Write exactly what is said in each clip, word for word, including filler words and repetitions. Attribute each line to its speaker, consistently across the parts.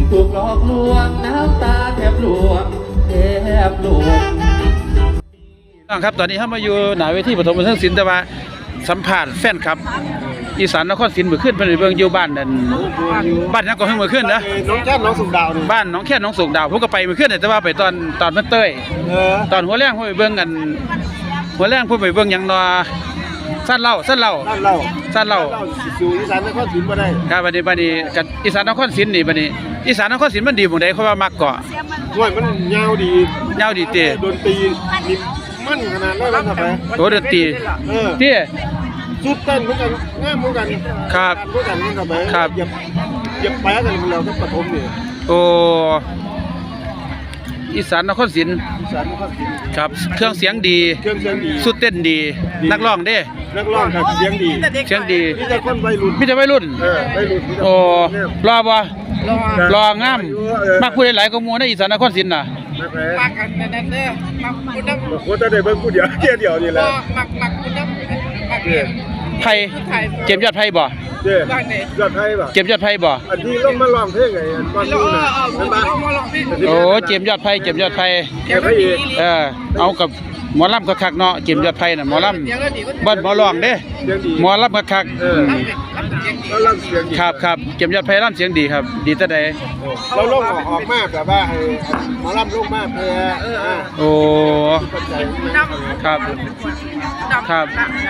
Speaker 1: ถูกหลอกลวงน้ำตาแทบหลวงแทบหลวงครับตอนนี้เขามาอยู่หน้าเวทีปฐมบันเทิงศิลป์แต่ว่าสัมภาษณ์แฟนครับอีสานนครศรีเมื่อคืนเพิ่นไปเบิ่งอยู่บ้านนั่นบ้านนั้นก็เพิ่งเมื่อคืนนะ
Speaker 2: น้องแค่น้องสุกดาวนี่
Speaker 1: บ้านน้องแค่น้องสุกดาวผมก็ไปเมื่อคืนแต่ว่าไปตอนตอนเพิ่นเต้ย
Speaker 2: เออ
Speaker 1: ตอนหัวแรงผมไปเบิ่งกันหัวแรงผมไปเบิ่งหยังนอสั้นเล่าสั้นเล่า
Speaker 2: สั้นเล่า
Speaker 1: สั้นเล่า
Speaker 2: สู่อีสานนครศรีบ่ได้
Speaker 1: ครับบัดนี้บัดนี้กับอีสานนครศรีนี่บัดนี้อีสานนครศรีมันดีหม่องใดเพราะว่ามักเกาะ
Speaker 2: ห้วยมันยาวดี
Speaker 1: ยาวดีเต้
Speaker 2: ดนตรีนี่มันขนาดนั้นครับ
Speaker 1: โอ้ดนตรี
Speaker 2: เออ
Speaker 1: เต้
Speaker 2: สุดเต้นเหมือนกันงามเหมือนกัน
Speaker 1: ครับ
Speaker 2: เหมือนกันครับ
Speaker 1: ครับ
Speaker 2: อย่าอย่าแปะกันเราก็ปฐมนี่
Speaker 1: โอ้อีสานนครศรี
Speaker 2: อีสานนครศรี
Speaker 1: ครับเครื่องเสียงดี
Speaker 2: เครื่องเสียงดี
Speaker 1: สุดเต้นดีนักร้องเด้
Speaker 2: นักร้องครับเสียงดี
Speaker 1: เสียงดี
Speaker 2: มีแต่คนวัยรุ่น
Speaker 1: มีแต่วัยรุ่น
Speaker 2: เออวัยรุ่น
Speaker 1: โอ้รอบ่รองามมักผู้ใดหลายก็หมู่ในอีสานนครศรีน่ะ
Speaker 3: มักกันนั่นเด้อมักคุณน้ำ
Speaker 2: โคตรได้เบิ่งผู้เดียวแค่เดียวนี่แหละ
Speaker 3: มักมักคุณน้ำมักเก็บ
Speaker 1: ไผเก็บยอดไผบ่
Speaker 2: เด้ยอดไผบ่
Speaker 1: เก็บยอดไผบ่
Speaker 2: อันที่ลงมาร้องเพลงไงอันตอนนู้นน่ะมันบ่
Speaker 1: โอ้เก็บยอดไผเก็บยอดไผ
Speaker 2: เก็บไผอีก
Speaker 1: เออเอากับหมอลำคักๆเนาะเก็บยอดไผน่ะหมอลำบ่หมอร้องเด้หมอลำคักๆเออ
Speaker 2: เราลำเสียงดี
Speaker 1: ครับครับเก็บยอดไผลำเสียงดีครับดีแต่ใด
Speaker 2: เราลงออกมากแบบว่าให้หมอลำลงมากเพื่อ
Speaker 1: โอ้ครับครับ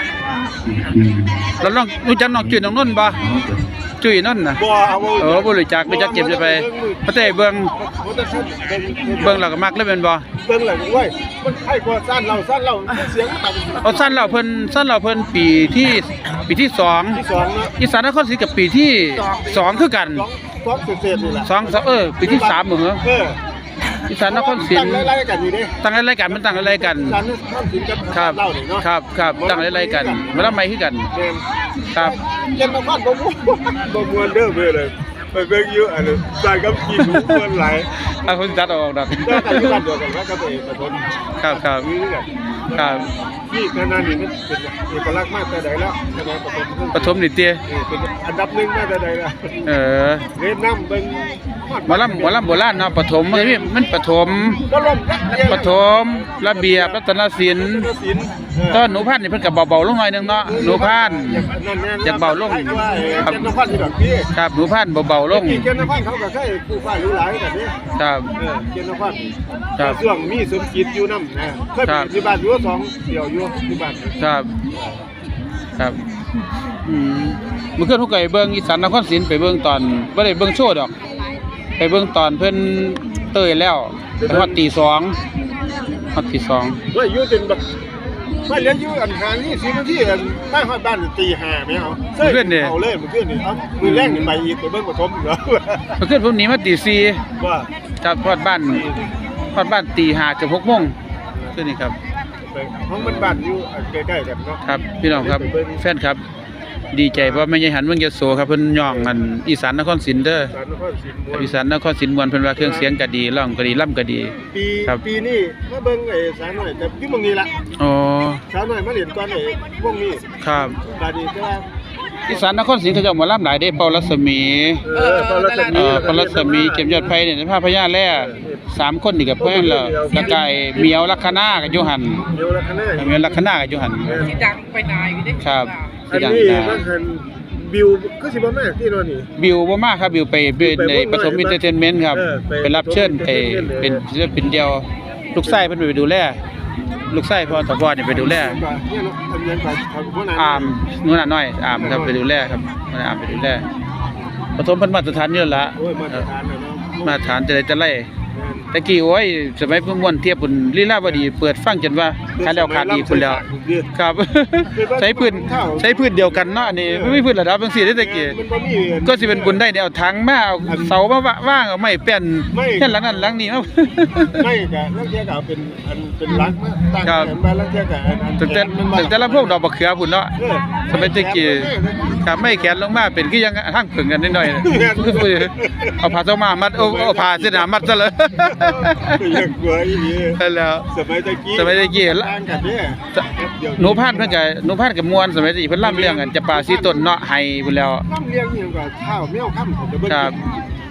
Speaker 1: แล้วน้องรู้จักน้องจุ้ยน้องนุ่นบ่จุ้ยนั่นน่ะ
Speaker 2: บ่เอา
Speaker 1: เออบ่รู้จักไปจักเก็บจะไปพระเต้เบิ่งเบิ่งแล้วก็มักเลยแม่นบ่
Speaker 2: เบิ่งแล้วโอ้ยมันไผกว่าสั้นเราสั้นเราเสียงต่ำ
Speaker 1: เอาสั้นเราเพิ่นสั้นเราเพิ่นปีที่ปีที่สอง
Speaker 2: ที่สองเนาะ
Speaker 1: อีสานนครศรีกับปีที่สองคือกัน
Speaker 2: สองเศษๆนี่แหละ
Speaker 1: สองเออปีที่สามเหมือน
Speaker 2: เออ
Speaker 1: อีสานนครศรี
Speaker 2: ตั้งไล่ๆกันอยู่เด้
Speaker 1: ตั้งไล่ๆกันมันตั้งไล่ๆกัน
Speaker 2: อีสานนครศรีกับเล่านี่เนาะ
Speaker 1: ครับครับตั้งไล่ๆกันบ่ละไม้คือกันครับ
Speaker 2: เย็นนครบ่ม่วนบ่ม่วนเด้อเว้ยเลยไปเบิ่งอยู่อันนี้ใส่กับขี้หนูม่วนหลาย
Speaker 1: อ่ะเพิ่นตัดออกดอก
Speaker 2: ก็กันอยู่บ้านเดียวกันก็ไปปฐม
Speaker 1: ครับครับครับ
Speaker 2: นี่ขนาดนี้มันเป็นเอกลักษณ์มากแต่ใดแล้วคณะปฐม
Speaker 1: ปฐมนี่เตี้ย
Speaker 2: เป็นอันดับหนึ่งมาแต่ใดแล้ว
Speaker 1: เออ
Speaker 2: เรียนนำเบิ่ง
Speaker 1: หมอลำหมอลำโบราณเนาะปฐมมันมันปฐมปฐมระเบียบรัตนศิลป์ตอนหนูพันธุ์นี่เพิ่นก็เบาๆลงหน่อยนึงเนาะหนูพันธุ์อยากเบาลง
Speaker 2: ครับหนูพันธุ์ที่แบบนี้
Speaker 1: ครับหนูพันธุ์เบาๆลง
Speaker 2: เกณฑ์นพันธุ์เขาก็เคยผู้ฟ้ารู้หลายแบบนี้
Speaker 1: ครับ
Speaker 2: เออเกณฑ์นพันธุ์ครับช่วงมีสมจิตอยู่นำนะเคยอยู่บ้านอยู่สองเดี่ยวอยู่ที่บ้าน
Speaker 1: ครับครับอืมเมื่อคืนผมก็ไปเบิ่งอีสานนครศรีไปเบิ่งตอนบ่ได้เบิ่งโชว์ดอกไปเบิ่งตอนเพิ่นเตยแล้วไปฮอดตีสองฮอดตีสอง
Speaker 2: เฮ้ยอยู่จนแบบไม่เลี้ยงอยู่อันหานี่สิบนาทีอันมาฮอดบ้านตีห้าแม่เอาเพิ่นเอาเลยมื้อคืนนี่เอามื้อแรกนี่ไปอีกไปเบิ่งปฐมเหรอ
Speaker 1: เมื่อคืนผมหนีมาตีสี่
Speaker 2: ว่า
Speaker 1: จากฮอดบ้านฮอดบ้านตีห้าถึงหกโมงคืนนี้ครับ
Speaker 2: ห้องมันบ้านอยู่ใกล้ๆกันเนาะ
Speaker 1: ครับพี่น้องครับแฟนครับดีใจเพราะไม่ใช่หันเมืองยโสครับเพิ่นย่องกันอีสานนครศรีเด้ออีสานนครศรีม่วนเพิ่นว่าเครื่องเสียงก็ดีร้องก็ดีล่ำก็ดี
Speaker 2: ปีปีนี้มาเบิ่งไอ้สาวน้อยแต่อยู่เมืองนี้ล่ะ
Speaker 1: อ๋อ
Speaker 2: สาวน้อยมาเรียนก่อนไอ้วงนี้
Speaker 1: ครับ
Speaker 2: บัดนี้แต่ว่า
Speaker 1: อีสานนครศรีเขาเจ้าหมอลำหลายเด้เปารัศมี
Speaker 2: เออเปารัศมี
Speaker 1: เออเปารัศมีเก็บยอดไผเนี่ยภาพพญาแล่สามคนนี่ก็เพิ่นแล้วแล้วก็ไอ้เมียวลัคนาก็อยู่หั่น
Speaker 2: เมียวลัคนา
Speaker 1: เมียวลัคนาก็อยู่หั่น
Speaker 3: สิดังไปนายอยู่เด้
Speaker 1: ครับ
Speaker 2: สิดังนะมันหันบิวก็สิบ่มากที่นอนนี่
Speaker 1: บิวบ่มากครับบิวไปในปฐมเอนเตอร์เทนเมนต์ครับไปรับเชิญไปเป็นศิลปินเดียวลูกชายเพิ่นไปดูแลลูกชายพ่อตะกอนนี่ไปดูแลอามนู่นน่ะน้อยอามครับไปดูแลครับมันอามไปดูแลปฐมเพิ่นมาตรฐานนี่ล่ะมาตรฐานเนาะมาตรฐานจะได้จะไล่ตะกี้โอ้ยสมัยเพิ่นม่วนเทียบพุ่นลีลาวดีเปิดฟังจนว่าขาดแล้วขาดอีกพุ่นแล้วครับใช้พื้นใช้พื้นเดียวกันเนาะอันนี้ไม่มีพื้นระดับจังซี่เด้ตะกี้ก็สิเป็นบุญได้เนี่ยเอาถังมาเอาเสามาว่างเอาไม้แป้นแค่หลังนั้นหลังนี้เนาะ
Speaker 2: ไม่ก็ลังเทียก็เป็นอันเป็นหลักมาตั้งมาลังเทียก็อัน
Speaker 1: ตั้งแต่ตั้งแต่ลำโพงดอกบักเขือพุ่นเนาะสมัยตะกี้ครับไม่แขนลงมาเป็นคือยังทางผึ่งกันนิดหน่อยเอาผ้าเจ้ามามัดเอาผ้าเส้นหนามัดซะเลย
Speaker 2: อยากกลัวอีนี่
Speaker 1: แล้ว
Speaker 2: สมัยตะกี้
Speaker 1: สมัยตะกี้
Speaker 2: ต่างกันเด้
Speaker 1: หนูพานเพิ่นก็หนูพานก็ม่วนสมัยตะกี้เพิ่นล่ำเรื่องกันจะป่าสีต้นเนาะไห้พุ่นแล้ว
Speaker 2: ล่ำเรื่องอีหยังก็ข้าวแมวค่ำผมจะเบิ่ง
Speaker 1: ครับ
Speaker 2: บ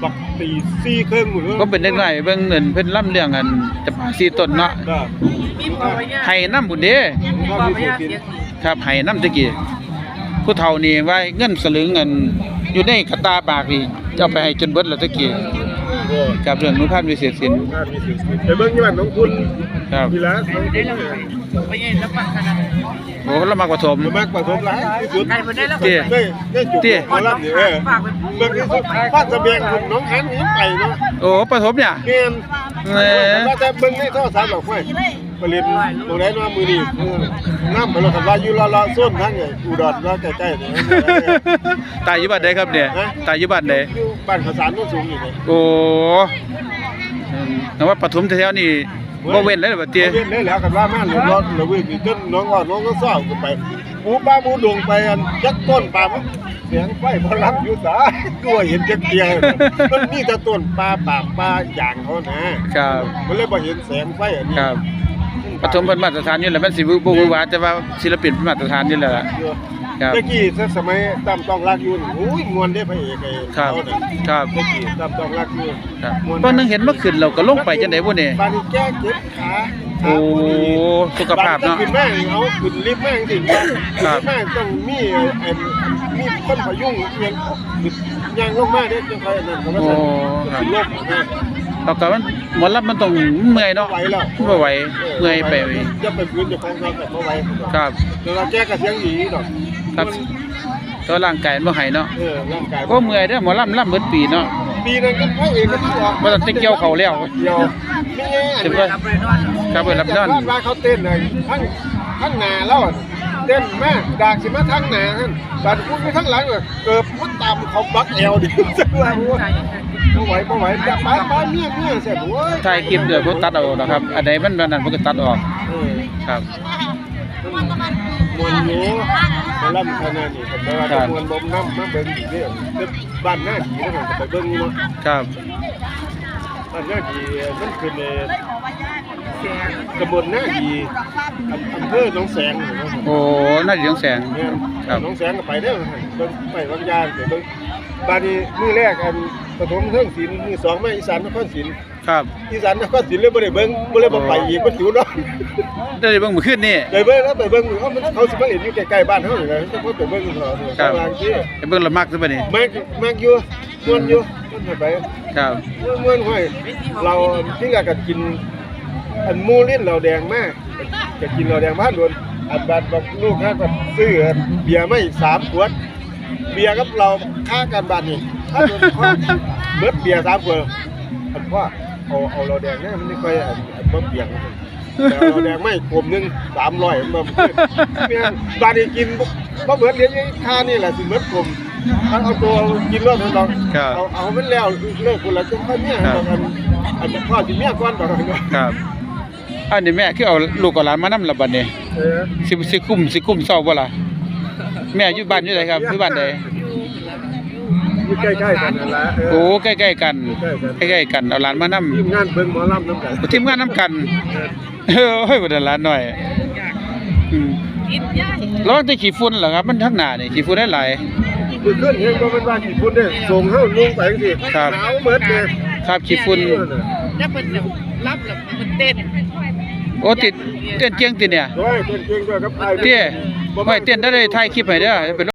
Speaker 2: บักตีสี่ครึ่งหมดเลย
Speaker 1: ก็เป็นเด็กน้อยเบิ่งเงินเพิ่นล่ำเรื่องกันจะป่าสีต้นเนาะ
Speaker 2: ก็
Speaker 3: มีปอยเนี่ย
Speaker 1: ให้น้ำบุญเด้
Speaker 3: มีปอยเนี่ยเสียง
Speaker 1: ครับให้น้ำตะกี้ผู้เฒ่านี่ว่าเงินสลึงเงินอยู่ในกระตาปากนี่จะเอาไปให้จนเบิดแล้วตะกี้
Speaker 2: โอ้
Speaker 1: กับเรื่องนุพันธ์วิเศษศิลป์
Speaker 2: น่ามีสิทธิ์ไปเบิ่งยี่บ้านน้องคุณ
Speaker 1: ครับ
Speaker 2: ทีละน้อง
Speaker 3: ได้
Speaker 2: คุณ
Speaker 3: แล้วไปยังรับปากกันนะ
Speaker 1: โอ้เรามากกว่าถม
Speaker 2: มากกว่าผมหลายที่สุด
Speaker 3: ใครมาได้แล้ว
Speaker 1: เตี้ย
Speaker 2: ได้ได้จุด
Speaker 1: เตี้ย
Speaker 2: หมอลำนี่เออ
Speaker 3: ฝากไป
Speaker 2: เบิ่งที่สุดบ้านเสบียงคุณน้องหันนี่ไปเนาะ
Speaker 1: โอ้ปฐมเนี่ย
Speaker 2: เงี้ย
Speaker 1: แหม
Speaker 2: ว่าแต่เบิ่งในโทรศัพท์หรอกเว้ยผลิตตรงไหนว่ามือนี่น้ำไปแล้วกันว่าอยู่ละละโซนทั้งไงอุดรว่าใกล้ๆนี่
Speaker 1: ตายอยู่บ้านใดครับเนี่ยตายอยู่บ้านใด
Speaker 2: อยู่บ้านข้าวสารโน้นสูงอยู่นี่
Speaker 1: โอ้อืมแต่ว่าปฐมแถวๆนี่บ่เว้นเลยบัดเตี้ย
Speaker 2: เว้นได้แล้วกันว่ามาหรือรถหรือวิ่งจนน้องว่าน้องก็ซ้อกันไปหมูป้าหมูดงไปอันจักต้นปาล์มเสียงไฟพลังอยู่สาตัวเห็นจักเดียวมันมีแต่ต้นปลาปามปลาอย่างเขานะครับ มันเลยบ่เห็นแสงไฟอันนี้
Speaker 1: ครับปฐมเป็นมาตรฐานอยู่แล้วมันสิบ่บ่ฮู้ว่าแต่ว่าศิลปินเป็นมาตรฐานอยู่แล้วล่ะ ครับ
Speaker 2: เมื่อกี้ถ้าสมัยตามต้องรักอยู่นี่โอ้ยมวนได้พระเอกไอ้
Speaker 1: ครับ
Speaker 2: เขาน่ะ
Speaker 1: ครับ
Speaker 2: เมื่อกี้ตามต้องรักอยู่
Speaker 1: ครับ
Speaker 2: ม่วน
Speaker 1: ตอนนึงเห็นเมื่อคืนเราก็ลงไปจังได๋บ่นี่
Speaker 2: บาดนี้แก้เจ็บขา
Speaker 1: โอ้สุขภาพเนาะ
Speaker 2: ขึ้นแม่งเอาขึ้นลิฟต์แม่งจริง
Speaker 1: ครับ
Speaker 2: แม่งต้องมีไอ้มีคนพยุงเอียงยังลงมาเด้จังได๋นั่นก็ว่า
Speaker 1: โอ้
Speaker 2: ซั่น
Speaker 1: ครับ
Speaker 2: ขึ้นลบนะ
Speaker 1: แล้วก็มันหมอลำมันต้องเมื่อยเนาะ
Speaker 2: ไหวแล้ว
Speaker 1: บ่ไหวเมื่อยไป
Speaker 2: จะไปพื้นจะคล้องกันบ่ไหว
Speaker 1: ครับ
Speaker 2: แต่ว่าแก้ก็เสียงดีดอก
Speaker 1: ครับตัวร่างกายมันบ่ให้เนาะ
Speaker 2: เออร่างกาย
Speaker 1: ก็เมื่อยเด้อหมอลำลำเบิดปีเนาะ
Speaker 2: ปีนั้นก็พระเอกก็ที่ออก
Speaker 1: บ่ต้องไปเกี่ยวเขาแล้ว
Speaker 2: เดียวไม่ไงอัน
Speaker 1: ถึง
Speaker 2: นี้
Speaker 1: ว่า
Speaker 3: รับไปนอน
Speaker 1: ครับเปิดรับนอน
Speaker 2: ว่าเขาเต้นเลยทั้งทั้งหน้าแล้วอะเต้นมากดากสิมาทั้งหน้าท่านบาดพูดไปทั้งหลังอะเกิดพุทตามเขาบักแอวดิจังว่าโอ้ยบ่ไหวบ่ไหวแต่ป้าป้าเมียเมียเสร็จโอ้ย
Speaker 1: ถ่ายคลิปเดี๋ยวผมตัดเอานะครับ อันใดมันอันนั้นผมก็ตัดออก
Speaker 2: เออ
Speaker 1: ครับ
Speaker 2: มวนอยู่มาล่ำขนาดนี้ผมว่าจะมวนบ่มน้ำมาเบิ่งอีกเด้อเด้อบ้านหน้าดีนะผมไปเบิ่งอยู่เนาะ
Speaker 1: ครับ
Speaker 2: บ้านหน้าดีมันคือในตำบลหน้าดีอำอำเภอหนองแสงนี่เนาะ
Speaker 1: โอ้น่าจะเสียงแสง
Speaker 2: เนี่ย
Speaker 1: ครับ
Speaker 2: หนองแสงก็ไปเด้อเบิ่งไปบางยานเดี๋ยวเบิ่งบาดนี้มื้อแรกอันปฐมเทิงศิลป์มื้อสองมาอีสานนครศิลป์
Speaker 1: ครับ
Speaker 2: อีสานนครศิลป์เลยบ่ได้เบิ่งบ่เลยบ่ไปอีกมันอยู่เนาะ
Speaker 1: ได้เบิ่งมื้อคืนนี่
Speaker 2: ได้เบิ่งแล้วไปเบิ่งเอ้ามันเขาสิมาเล่นอยู่ใกล้ๆบ้านเฮานี่แหละแต่พอไปเบิ่งเถอะ
Speaker 1: ครับ
Speaker 2: บางที
Speaker 1: ไปเบิ่งละมักซะบัดนี้
Speaker 2: มากมากอยู่ม่วนอยู่ม่วนไป
Speaker 1: ครับ
Speaker 2: ม่วนห้อยเราที่แรกก็กินอันหมูลิ้นเราแดงมากก็กินเราแดงบ้านโดนอันบาดบอกลูกค้าก็ซื้อเบียร์มาอีกสามขวดเบียร์กับเราค่ากันบาทนี่ถ้าโดนข้อเบิดเบียร์สามขวดอันว่าเอาเอาเราแดงเนี่ยมันไม่ค่อยอันอันบ่เบียงแต่เราแดงไม่กลมหนึงสามร้อยมันบ่เมียบาดนี้กินบ่เบิดเหรียญค่านี่แหละสิเบิดกลมถ้าเอาตัวกินรอดเรา
Speaker 1: ครับ
Speaker 2: เอาเอามันแล้วเลิกคนละจังค่อยเมีย
Speaker 1: ครับ
Speaker 2: อันอันจะพ่อสิเมียก่อนดอกเนาะ
Speaker 1: ครับอันนี้แม่คือเอาลูกกับหลานมานำละบัดนี้
Speaker 2: เออ
Speaker 1: สิสิคุ้มสิคุ้มเซาบ่ล่ะแม่อยู่บ้านอยู่ไสครับอยู่บ้านใด
Speaker 2: อยู่ใกล้ๆกันนั่นแหละเ
Speaker 1: โอ้ใกล้ๆกันใกล้ๆกันเอาหลานมานำ
Speaker 2: ทีมงานเบิ่งหมอลำน้ำกัน
Speaker 1: ทีมงานนํกันเออโอ้ยบ่ได้หลานน้อยอืม
Speaker 3: กินย่าย
Speaker 1: แล้วมันจะขี้ฝุ่นเหรอครับ มันทั้งหน้านี่ขี้ฝุ่นได้หลาย
Speaker 2: มือขึ้นเห็นบ่แม่นว่ากี่พุ่นเด้ส่งเฮาลงไปจังซี่
Speaker 1: ครับ
Speaker 2: หนาวเหมือนเด้
Speaker 1: ครับขี้ฝุ่น
Speaker 3: แล้วมันรับแล้วมันเต้น
Speaker 1: โอ้ติดเต้นเจียงติเนี่ย
Speaker 2: โอ้ยเก่งๆด้วยครับไอ้
Speaker 1: เตี้ยไว้เต้นได้เลยถ่ายคลิปให้เด้อเป็น